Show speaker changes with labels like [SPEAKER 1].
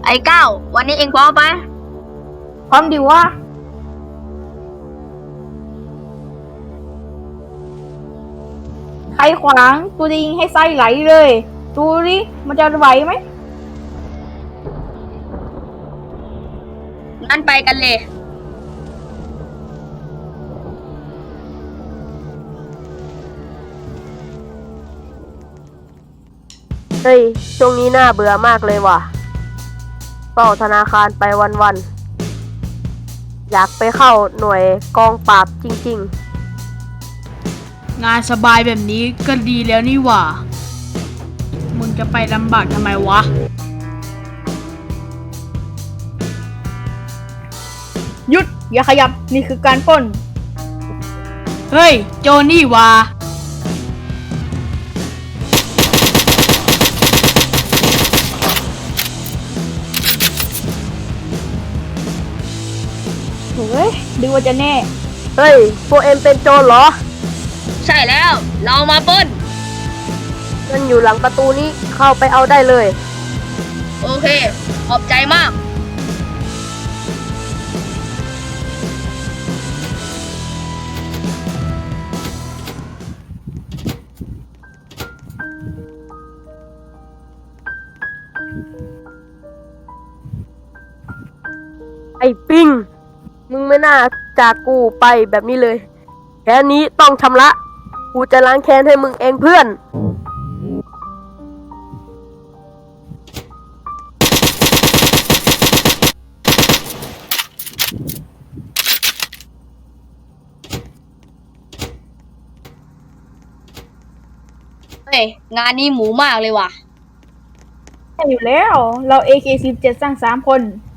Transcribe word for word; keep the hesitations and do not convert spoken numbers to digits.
[SPEAKER 1] ไอ้เก้าวันนี้เองพร้อมไหม
[SPEAKER 2] พร้อมดิวะใครขวางตัวจะยิงให้ไส้ไหลเลยดูดิมันจะไหวไหม
[SPEAKER 1] งั้นไปกันเลย
[SPEAKER 3] เฮ้ยช่วงนี้น่าเบื่อมากเลยว่ะเฝ้าธนาคารไปวันๆอยากไปเข้าหน่วยกองปราบจริง
[SPEAKER 4] งานสบายแบบนี้ก็ดีแล้วนี่หว่า มึงจะไปลำบากทำไมวะ
[SPEAKER 2] หยุดอย่าขยับนี่คือการปล้น
[SPEAKER 4] เฮ้ย โจนี่หว่า
[SPEAKER 2] เฮ้ยดูว่าจะแน่
[SPEAKER 3] ๆ เฮ้ยพวกเอ็มเป็นโจรเหรอ
[SPEAKER 1] ใช่แล้วเรามาปล้น
[SPEAKER 3] มันอยู่หลังประตูนี้เข้าไปเอาได้เลย
[SPEAKER 1] โอเคขอบใจมาก
[SPEAKER 3] ไอ้ปิงมึงไม่น่าจากกูไปแบบนี้เลยแค่นี้ต้องชำระกูจะล้างแค้นให้มึงเองเพื่อน
[SPEAKER 1] เฮ้ยงานนี้หมูมากเลยว่ะ
[SPEAKER 2] ใช่อยู่แล้ว เรา เอ เค สิบเจ็ด สร้างสามคน